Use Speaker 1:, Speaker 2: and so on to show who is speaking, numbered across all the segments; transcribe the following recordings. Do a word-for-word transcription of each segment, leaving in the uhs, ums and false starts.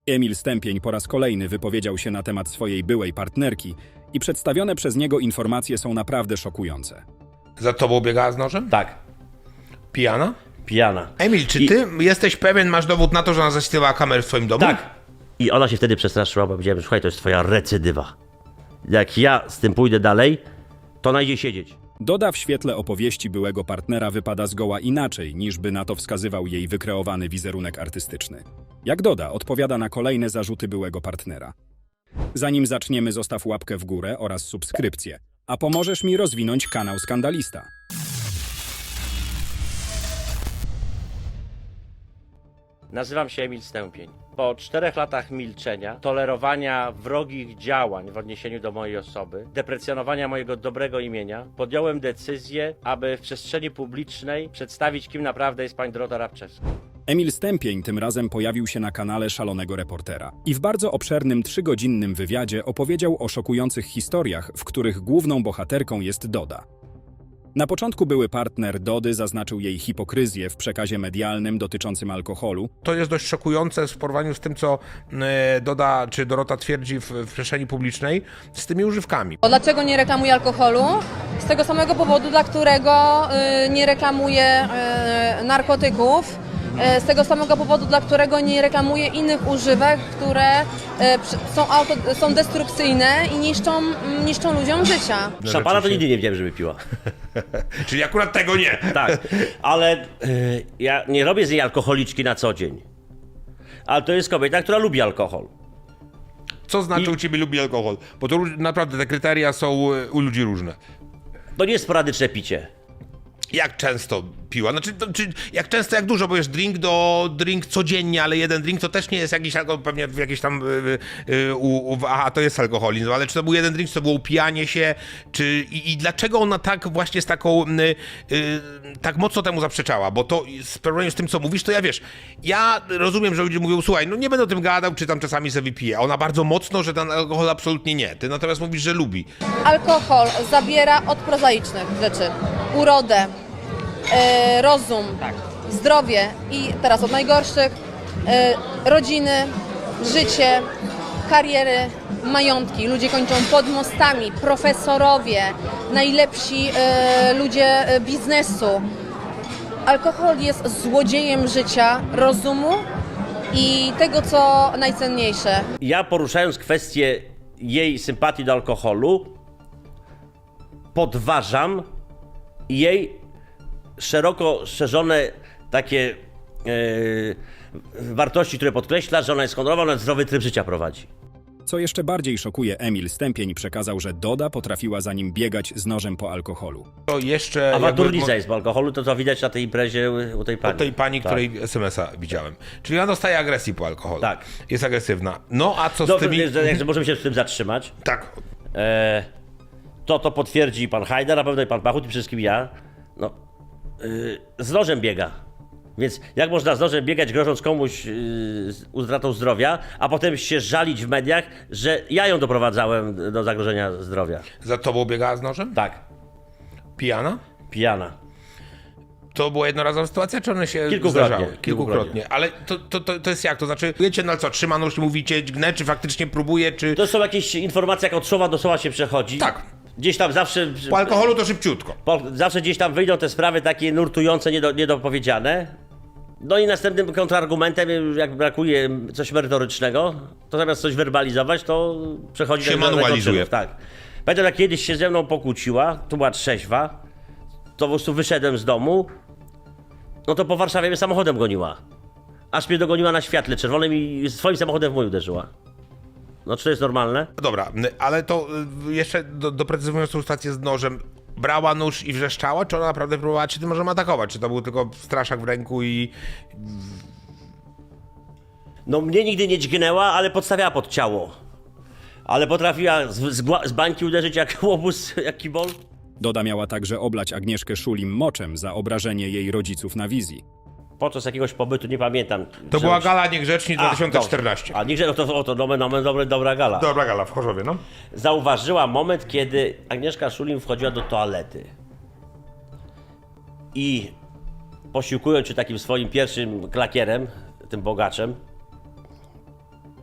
Speaker 1: Emil Stępień po raz kolejny wypowiedział się na temat swojej byłej partnerki i przedstawione przez niego informacje są naprawdę szokujące.
Speaker 2: Za tobą biegała z nożem?
Speaker 3: Tak,
Speaker 2: Pijana?
Speaker 3: pijana.
Speaker 2: Emil, czy
Speaker 3: I-
Speaker 2: ty jesteś pewien, masz dowód na to, że ona zaśpiewała kamerę w swoim domu?
Speaker 3: Tak. I ona się wtedy przestraszyła, bo powiedziałem, słuchaj, to jest twoja recydywa. Jak ja z tym pójdę dalej, to ona idzie siedzieć.
Speaker 1: Doda w świetle opowieści byłego partnera wypada zgoła inaczej, niż by na to wskazywał jej wykreowany wizerunek artystyczny. Jak Doda odpowiada na kolejne zarzuty byłego partnera. Zanim zaczniemy, zostaw łapkę w górę oraz subskrypcję, a pomożesz mi rozwinąć kanał Skandalista.
Speaker 3: Nazywam się Emil Stępień. Po czterech latach milczenia, tolerowania wrogich działań w odniesieniu do mojej osoby, deprecjonowania mojego dobrego imienia, podjąłem decyzję, aby w przestrzeni publicznej przedstawić, kim naprawdę jest pani Dorota Rabczewska.
Speaker 1: Emil Stępień tym razem pojawił się na kanale Szalonego Reportera i w bardzo obszernym trzygodzinnym wywiadzie opowiedział o szokujących historiach, w których główną bohaterką jest Doda. Na początku były partner Dody zaznaczył jej hipokryzję w przekazie medialnym dotyczącym alkoholu.
Speaker 2: To jest dość szokujące w porównaniu z tym, co e, Doda czy Dorota twierdzi w, w przestrzeni publicznej z tymi używkami.
Speaker 4: Dlaczego nie reklamuje alkoholu? Z tego samego powodu, dla którego y, nie reklamuje y, narkotyków. Y, z tego samego powodu, dla którego nie reklamuje innych używek, które y, przy- są, auto, są destrukcyjne i niszczą, niszczą ludziom życia.
Speaker 3: Szampana to nigdy nie wiedziałem, żeby piła.
Speaker 2: Czyli akurat tego nie.
Speaker 3: Tak, ale y, ja nie robię z niej alkoholiczki na co dzień. Ale to jest kobieta, która lubi alkohol.
Speaker 2: Co znaczy
Speaker 3: I-
Speaker 2: u ciebie lubi alkohol? Bo to róż- naprawdę te kryteria są e, u ludzi różne.
Speaker 3: To nie jest sporadyczne picie.
Speaker 2: Jak często piła? Znaczy, to, czy jak często, jak dużo, bo jest drink do drink codziennie, ale jeden drink to też nie jest jakiś alkohol, pewnie w jakiejś tam, y, y, u, u, aha, to jest alkoholizm, ale czy to był jeden drink, czy to było upijanie się, czy i, i dlaczego ona tak właśnie z taką, y, y, tak mocno temu zaprzeczała? Bo to w porównaniu z tym, co mówisz, to ja wiesz, ja rozumiem, że ludzie mówią, słuchaj, no nie będę o tym gadał, czy tam czasami sobie wypiję, a ona bardzo mocno, że ten alkohol absolutnie nie. Ty natomiast mówisz, że lubi.
Speaker 4: Alkohol zabiera od prozaicznych rzeczy. Urodę, y, rozum, zdrowie i teraz od najgorszych y, rodziny, życie, kariery, majątki. Ludzie kończą pod mostami, profesorowie, najlepsi y, ludzie y, biznesu. Alkohol jest złodziejem życia, rozumu i tego, co najcenniejsze.
Speaker 3: Ja poruszając kwestię jej sympatii do alkoholu, podważam jej szeroko szerzone takie e, wartości, które podkreśla, że ona jest honorowa, ona zdrowy tryb życia prowadzi.
Speaker 1: Co jeszcze bardziej szokuje, Emil Stępień przekazał, że Doda potrafiła za nim biegać z nożem po alkoholu.
Speaker 2: To jeszcze...
Speaker 3: Awanturnica jest po alkoholu, to co widać na tej imprezie u tej pani.
Speaker 2: Od tej pani,
Speaker 3: Tak.
Speaker 2: której es em es a widziałem. Czyli ona dostaje agresji po alkoholu.
Speaker 3: Tak.
Speaker 2: Jest agresywna. No a co z
Speaker 3: Dobrze,
Speaker 2: tymi...
Speaker 3: że- jak możemy się z tym zatrzymać.
Speaker 2: Tak.
Speaker 3: E, to to potwierdzi pan Hajdar, na pewno i pan Pachut i przede wszystkim ja. No, y, z nożem biega. Więc jak można z nożem biegać, grożąc komuś yy, z utratą zdrowia, a potem się żalić w mediach, że ja ją doprowadzałem do zagrożenia zdrowia.
Speaker 2: Za tobą biegała z nożem?
Speaker 3: Tak,
Speaker 2: Pijana?
Speaker 3: pijana.
Speaker 2: To była jednorazowa sytuacja, czy one się
Speaker 3: Kilkukrotnie.
Speaker 2: zdarzały? Kilkukrotnie. Ale to, to, to, to jest jak? To znaczy, wiecie, no co, trzyma nóż i mówicie, gnę, czy faktycznie próbuje, czy...
Speaker 3: To są jakieś informacje, jak od słowa do słowa się przechodzi.
Speaker 2: Tak.
Speaker 3: Gdzieś tam zawsze...
Speaker 2: Po alkoholu to szybciutko.
Speaker 3: Po, zawsze gdzieś tam wyjdą te sprawy takie nurtujące, niedo, niedopowiedziane. No i następnym kontrargumentem, jak brakuje coś merytorycznego, to zamiast coś werbalizować, to przechodzi
Speaker 2: Się
Speaker 3: do do
Speaker 2: manualizuje.
Speaker 3: czynów, tak. Pamiętam, jak kiedyś się ze mną pokłóciła, tu była trzeźwa, to po prostu wyszedłem z domu, no to po Warszawie mnie samochodem goniła. Aż mnie dogoniła na świetle czerwonym i swoim samochodem w mój uderzyła. No czy to jest normalne?
Speaker 2: Dobra, ale to y, jeszcze do, doprecyzowując tą sytuację z nożem, brała nóż i wrzeszczała, czy ona naprawdę próbowała cię tym nożem atakować? Czy to był tylko straszak w ręku i...
Speaker 3: No mnie nigdy nie dźgnęła, ale podstawiała pod ciało. Ale potrafiła z, z, gła- z bańki uderzyć jak łobuz, jak kibol.
Speaker 1: Doda miała także oblać Agnieszkę Szulim moczem za obrażenie jej rodziców na wizji.
Speaker 3: Podczas jakiegoś pobytu, nie pamiętam.
Speaker 2: To
Speaker 3: że-
Speaker 2: była gala Niegrzeczni
Speaker 3: A,
Speaker 2: dwa tysiące czternaście.
Speaker 3: dobrze. A niechże, no to, o, to nomen, nomen, dobre, dobra gala.
Speaker 2: Dobra gala w Chorzowie, no.
Speaker 3: Zauważyła moment, kiedy Agnieszka Szulim wchodziła do toalety. I posiłkując się takim swoim pierwszym klakierem, tym bogaczem,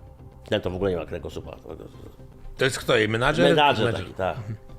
Speaker 3: Ten to w ogóle nie ma kręgosłupa.
Speaker 2: To jest kto jej? Menadżer?
Speaker 3: Menadżer taki, tak.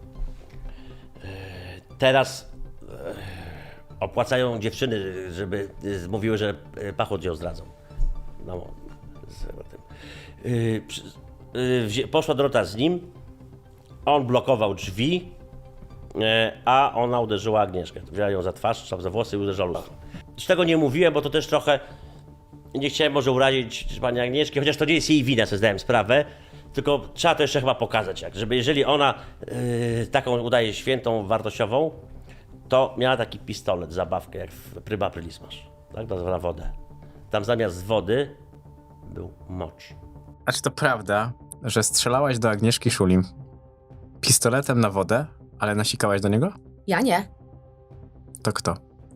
Speaker 3: Teraz e, opłacają dziewczyny, żeby e, mówiły, że e, Pachut ją zdradzą. No, z tym. E, przy- e, wzię- poszła Dorota z nim, on blokował drzwi, e, a ona uderzyła Agnieszkę. Wzięła ją za twarz, tam za włosy i uderzyła. Z tego nie mówiłem, bo to też trochę nie chciałem może urazić pani Agnieszki, chociaż to nie jest jej wina, sobie zdałem sprawę. Tylko trzeba to jeszcze chyba pokazać, jak, żeby jeżeli ona yy, taką udaje świętą, wartościową, to miała taki pistolet, zabawkę, jak w Pryma Aprilis masz, tak, na, na wodę. Tam zamiast wody był mocz.
Speaker 5: A czy to prawda, że strzelałaś do Agnieszki Szulim pistoletem na wodę, ale nasikałaś do niego?
Speaker 6: Ja nie.
Speaker 5: To kto?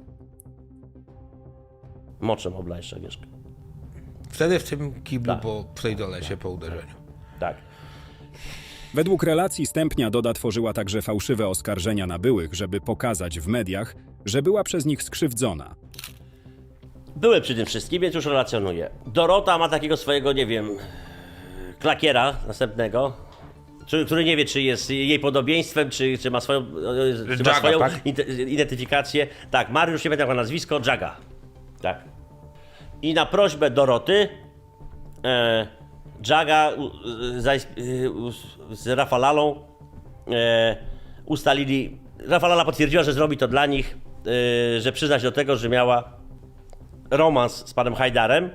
Speaker 3: Moczem oblałeś Agnieszkę.
Speaker 2: Wtedy w tym kiblu
Speaker 3: Tak.
Speaker 2: po, w tej dolesie po uderzeniu.
Speaker 3: Tak.
Speaker 1: Według relacji Stępnia Doda tworzyła także fałszywe oskarżenia na byłych, żeby pokazać w mediach, że była przez nich skrzywdzona.
Speaker 3: Były przy tym wszystkim, więc już relacjonuję. Dorota ma takiego swojego, nie wiem, klakiera następnego, który, który nie wie, czy jest jej podobieństwem, czy, czy ma swoją, czy ma
Speaker 2: Jaga,
Speaker 3: swoją
Speaker 2: tak?
Speaker 3: ide- identyfikację. Tak, Mariusz, nie pamiętam jego nazwisko, Jaga. Tak. I na prośbę Doroty e, Jaga u, zains- y, u, z Rafalalą e, ustalili, Rafalala potwierdziła, że zrobi to dla nich, e, że przyzna się do tego, że miała romans z panem Hajdarem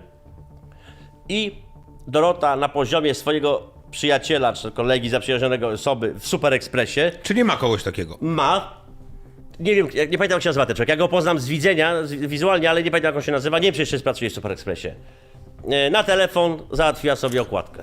Speaker 3: i Dorota na poziomie swojego przyjaciela, czy kolegi zaprzyjaźnionego osoby w Super Expressie
Speaker 2: Czy nie ma kogoś takiego?
Speaker 3: ma, nie wiem, nie pamiętam jak się nazywa ten człowiek, ja go poznam z widzenia, z, wizualnie, ale nie pamiętam jak on się nazywa, nie wiem, czy jeszcze pracuje w Super Expressie. E, Na telefon załatwiła sobie okładkę.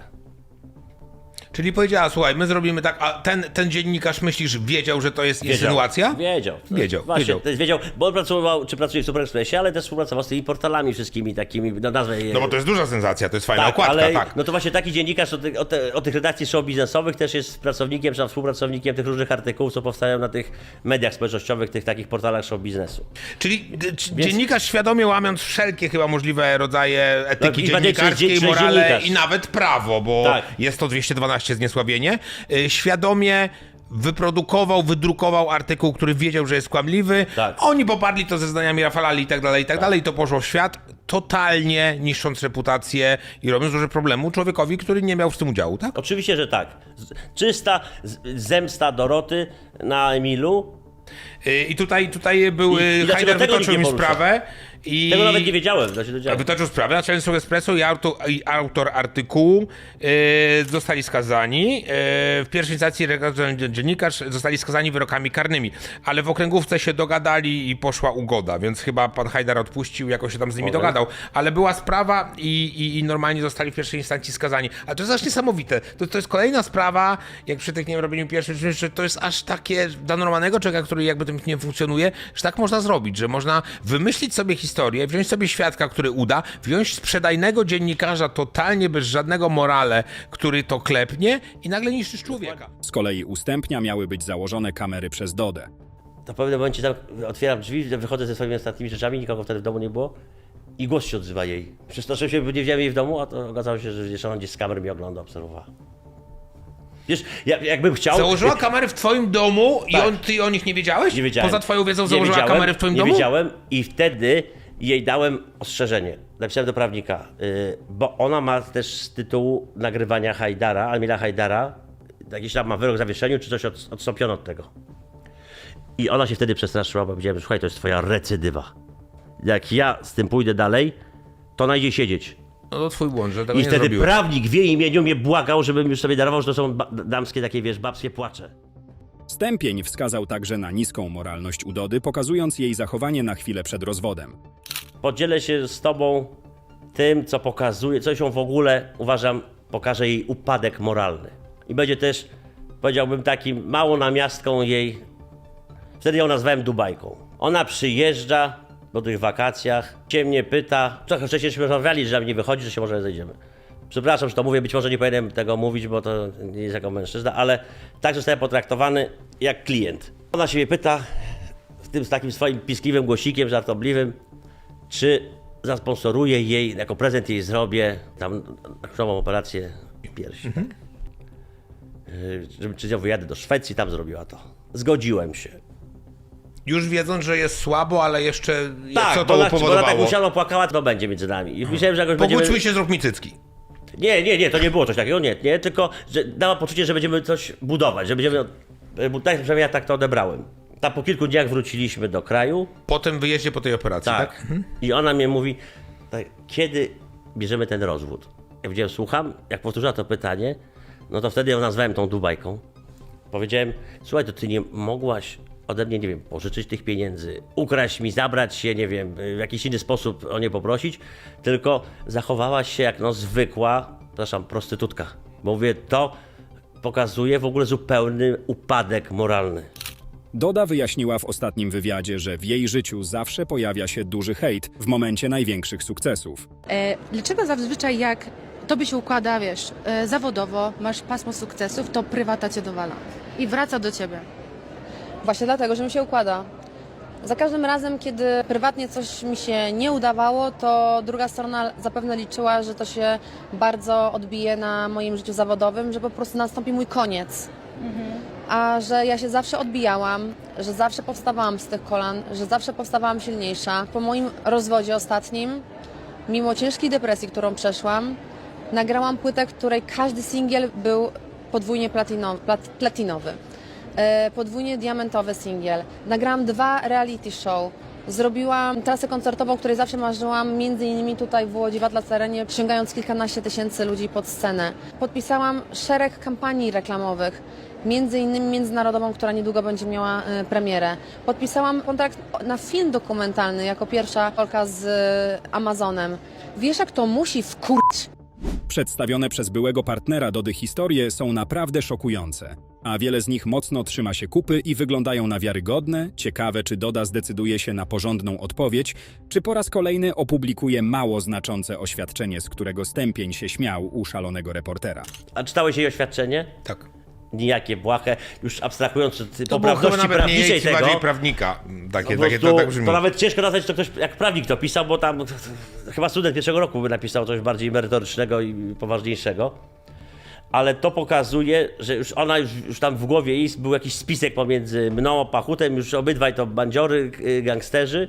Speaker 2: Czyli powiedziała, słuchaj, my zrobimy tak, a ten, ten dziennikarz, myślisz, wiedział, że to jest
Speaker 3: Wiedział.
Speaker 2: insynuacja?
Speaker 3: Wiedział.
Speaker 2: Wiedział,
Speaker 3: Właśnie,
Speaker 2: wiedział.
Speaker 3: to jest wiedział, bo on pracował, czy pracuje w Super Expressie, ale też współpracował z tymi portalami wszystkimi takimi, no nazwę je.
Speaker 2: No bo to jest duża sensacja, to jest fajna
Speaker 3: Tak,
Speaker 2: okładka,
Speaker 3: ale
Speaker 2: tak.
Speaker 3: no to właśnie taki dziennikarz o, ty, o, te, o tych redakcji show biznesowych też jest pracownikiem, czy tam współpracownikiem tych różnych artykułów, co powstają na tych mediach społecznościowych, tych takich portalach show biznesu.
Speaker 2: Czyli g- c- dziennikarz świadomie łamiąc wszelkie chyba możliwe rodzaje etyki
Speaker 3: No i bardziej,
Speaker 2: dziennikarskiej,
Speaker 3: czy- czy
Speaker 2: morale
Speaker 3: dziennikarz.
Speaker 2: i nawet prawo, bo
Speaker 3: Tak.
Speaker 2: jest to dwieście dwanaście zniesławienie, y, świadomie wyprodukował, wydrukował artykuł, który wiedział, że jest kłamliwy.
Speaker 3: Tak.
Speaker 2: Oni poparli to ze zdaniami Rafalali i tak dalej, i tak dalej, i to poszło w świat, totalnie niszcząc reputację i robiąc duże problemu człowiekowi, który nie miał w tym udziału, tak?
Speaker 3: Oczywiście, że tak. Z- Czysta z- zemsta Doroty na Emilu.
Speaker 2: Y, I tutaj, tutaj był,
Speaker 3: I- i
Speaker 2: y,
Speaker 3: dlaczego
Speaker 2: Hajder
Speaker 3: tego
Speaker 2: wytoczył
Speaker 3: nikt
Speaker 2: mi
Speaker 3: nie porusza?
Speaker 2: sprawę i...
Speaker 3: Tego nawet nie wiedziałem, to się
Speaker 2: A
Speaker 3: dowiedziałem.
Speaker 2: wytoczył sprawę, naczelnik Espresso i autor, i autor artykułu e, zostali skazani. E, w pierwszej instancji redaktor, dziennikarz zostali skazani wyrokami karnymi, ale w okręgówce się dogadali i poszła ugoda, więc chyba pan Hajdar odpuścił, jakoś się tam z nimi
Speaker 3: Okej.
Speaker 2: dogadał. Ale była sprawa i, i, i normalnie zostali w pierwszej instancji skazani. A to jest aż niesamowite. To, to jest kolejna sprawa, jak przy tych, nie wiem, robieniu pierwszych czynów, że to jest aż takie dla normalnego człowieka, który jakby tym nie funkcjonuje, że tak można zrobić, że można wymyślić sobie historię, wziąć sobie świadka, który uda, wziąć sprzedajnego dziennikarza totalnie bez żadnego morale, który to klepnie i nagle niszczysz człowieka.
Speaker 1: Z kolei u Stępnia miały być założone kamery przez Dodę.
Speaker 3: To w pewnym momencie tam otwieram drzwi, wychodzę ze swoimi ostatnimi rzeczami, nikogo wtedy w domu nie było i głos się odzywa jej. Przestraszyłem się, bo nie widziałem jej w domu, a to okazało się, że jeszcze ona gdzieś z kamer mnie ogląda, obserwowała. Wiesz, ja, jakbym chciał...
Speaker 2: Założyła kamery w twoim domu i
Speaker 3: Tak.
Speaker 2: on, ty o nich nie wiedziałeś?
Speaker 3: Nie wiedziałem.
Speaker 2: Poza twoją wiedzą
Speaker 3: Nie
Speaker 2: założyła
Speaker 3: wiedziałem,
Speaker 2: kamery w twoim
Speaker 3: nie
Speaker 2: domu?
Speaker 3: Nie wiedziałem i wtedy jej dałem ostrzeżenie. Napisałem do prawnika, yy, bo ona ma też z tytułu nagrywania Hajdara, Almila Hajdara, jakiś tam ma wyrok w zawieszeniu, czy coś od, odstąpiono od tego. I ona się wtedy przestraszyła, bo powiedziałem, słuchaj, to jest twoja recydywa. Jak ja z tym pójdę dalej, to ona idzie siedzieć.
Speaker 2: No to twój błąd, że tego
Speaker 3: I
Speaker 2: nie
Speaker 3: wtedy
Speaker 2: zrobiłeś.
Speaker 3: prawnik w jej imieniu mnie błagał, żebym już sobie darował, że to są ba- damskie takie, wiesz, babskie płacze.
Speaker 1: Stępień wskazał także na niską moralność u Dody, pokazując jej zachowanie na chwilę przed rozwodem.
Speaker 3: Podzielę się z tobą tym, co pokazuje, coś ją w ogóle, uważam, pokaże jej upadek moralny. I będzie też, powiedziałbym, takim małą namiastką jej, wtedy ją nazwałem Dubajką. Ona przyjeżdża po tych wakacjach, się mnie pyta, trochę wcześniejśmy rozmawiali, że mnie wychodzi, że się może zejdziemy. Przepraszam, że to mówię, być może nie powinienem tego mówić, bo to nie jest jako mężczyzna, ale tak zostałem potraktowany jak klient. Ona się mnie pyta, w tym z takim swoim piskliwym głosikiem, żartobliwym, czy zasponsoruję jej, jako prezent jej zrobię tam nową operację piersi. Mhm. Yy, Żebym czy ja wyjadę do Szwecji, tam zrobiła to. Zgodziłem się.
Speaker 2: Już wiedząc, że jest słabo, ale jeszcze
Speaker 3: Tak,
Speaker 2: co
Speaker 3: bo
Speaker 2: to
Speaker 3: ona, bo ona
Speaker 2: upowodowało?
Speaker 3: tak usiadła, płakała, to będzie między nami. I myślałem, że jakoś będziemy...
Speaker 2: Pogódźmy się, zrób mi cycki.
Speaker 3: Nie, nie, nie, to nie było coś takiego, nie, nie, tylko że dała poczucie, że będziemy coś budować, że będziemy, bo tak, przynajmniej ja tak to odebrałem. Tam po kilku dniach wróciliśmy do kraju,
Speaker 2: Po tym wyjeździe, po tej operacji, tak?
Speaker 3: tak, i ona mnie mówi, tak, kiedy bierzemy ten rozwód? Ja powiedziałem, słucham, jak powtórzyła to pytanie, no to wtedy ją nazwałem tą Dubajką. Powiedziałem, słuchaj, to ty nie mogłaś ode mnie, nie wiem, pożyczyć tych pieniędzy, ukraść mi, zabrać się, nie wiem, w jakiś inny sposób o nie poprosić, tylko zachowałaś się jak no zwykła, przepraszam, prostytutka. Bo mówię, to pokazuje w ogóle zupełny upadek moralny.
Speaker 1: Doda wyjaśniła w ostatnim wywiadzie, że w jej życiu zawsze pojawia się duży hejt w momencie największych sukcesów.
Speaker 6: E, dlaczego zazwyczaj jak tobie się układa, wiesz, e, zawodowo, masz pasmo sukcesów, to prywata cię dowala i wraca do ciebie?
Speaker 4: Właśnie dlatego, że mi się układa. Za każdym razem, kiedy prywatnie coś mi się nie udawało, to druga strona zapewne liczyła, że to się bardzo odbije na moim życiu zawodowym, że po prostu nastąpi mój koniec. A że ja się zawsze odbijałam, że zawsze powstawałam z tych kolan, że zawsze powstawałam silniejsza. Po moim rozwodzie ostatnim, mimo ciężkiej depresji, którą przeszłam, nagrałam płytę, której każdy singiel był podwójnie platino, plat, platinowy. E, podwójnie diamentowy singiel. Nagrałam dwa reality show. Zrobiłam trasę koncertową, o której zawsze marzyłam, między innymi tutaj w Łodzi, w Atlas Arenie, przyciągając kilkanaście tysięcy ludzi pod scenę. Podpisałam szereg kampanii reklamowych, między innymi międzynarodową, która niedługo będzie miała e, premierę. Podpisałam kontrakt na film dokumentalny jako pierwsza Polka z e, Amazonem. Wiesz, jak to musi wkurć?
Speaker 1: Przedstawione przez byłego partnera Dody historie są naprawdę szokujące, a wiele z nich mocno trzyma się kupy i wyglądają na wiarygodne. Ciekawe, czy Doda zdecyduje się na porządną odpowiedź, czy po raz kolejny opublikuje mało znaczące oświadczenie, z którego Stępień się śmiał u szalonego reportera.
Speaker 3: A czytałeś jej oświadczenie?
Speaker 2: Tak.
Speaker 3: Nijakie, błahe, już abstrahując od
Speaker 2: To było chyba
Speaker 3: poprawności
Speaker 2: nawet nie
Speaker 3: prawniczej
Speaker 2: jej,
Speaker 3: tego.
Speaker 2: bardziej prawnika. Takie,
Speaker 3: Po
Speaker 2: takie,
Speaker 3: prostu
Speaker 2: to tak brzmi.
Speaker 3: to nawet ciężko nazwać, to ktoś jak prawnik to pisał, bo tam chyba student pierwszego roku by napisał coś bardziej merytorycznego i poważniejszego. Ale to pokazuje, że już ona już, już tam w głowie jej był jakiś spisek pomiędzy mną a Pachutem, już obydwaj to bandziory, gangsterzy.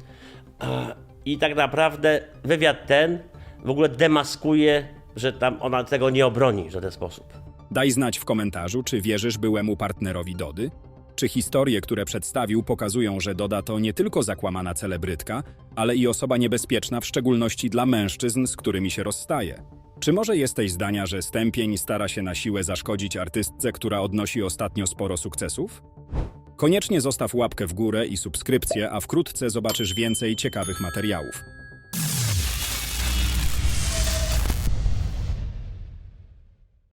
Speaker 3: I tak naprawdę wywiad ten w ogóle demaskuje, że tam ona tego nie obroni w żaden sposób.
Speaker 1: Daj znać w komentarzu, czy wierzysz byłemu partnerowi Dody? Czy historie, które przedstawił, pokazują, że Doda to nie tylko zakłamana celebrytka, ale i osoba niebezpieczna, w szczególności dla mężczyzn, z którymi się rozstaje? Czy może jesteś zdania, że Stępień stara się na siłę zaszkodzić artystce, która odnosi ostatnio sporo sukcesów? Koniecznie zostaw łapkę w górę i subskrypcję, a wkrótce zobaczysz więcej ciekawych materiałów.